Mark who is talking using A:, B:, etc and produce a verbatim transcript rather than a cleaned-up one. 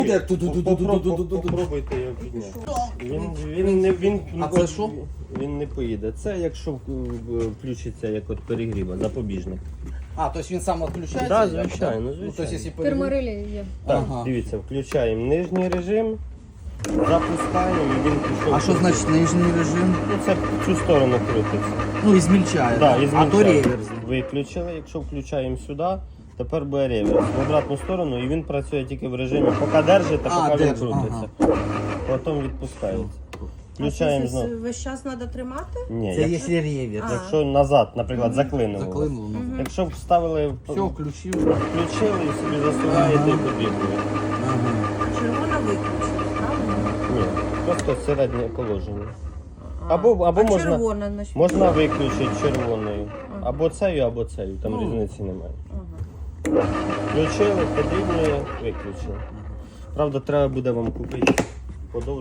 A: Попробуйте його підняти. Він, він, не, він,
B: А це що?
A: Він не поїде. Це якщо включиться як от перегріва, запобіжник.
B: А, тобто він сам відключається?
A: Так, звичайно,
B: Ну,
A: звичайно.
B: тобто, якщо перегрів-
C: Терморелі є.
A: Так,
B: Ага.
A: дивіться, включаємо нижній режим, запускаємо і він пішов.
B: А що значить нижній режим?
A: Ну, це в цю сторону крутиться.
B: Ну, і змільчає,
A: Да,
B: так?
A: і
B: А то
A: змінчаємо.
B: реверс.
A: Виключили, якщо включаємо сюди, тепер буде реверс в обратну сторону і він працює тільки в режимі, поки держить, та
B: А,
A: поки він
B: держить,
A: крутиться. Потім відпускається. Включаємо
D: А це
A: знову.
D: весь час треба тримати?
A: Ні,
B: Це
A: якщо,
B: якщо реверс.
A: якщо назад, наприклад, заклинуло.
B: Заклинуло. ну.
A: Якщо вставили,
B: Все, включив.
A: включили і собі засуваєте і побігли.
B: Ага.
D: Червона виключена, правильно?
A: Ні, просто середнє положення. Або, або
D: а
A: можна,
D: червона, значить?
A: можна виключити червоною. Або цею, або цею, там різниці немає.
D: Ага.
A: Включили, подрібнює, виключили. Правда, треба буде вам купити подовження.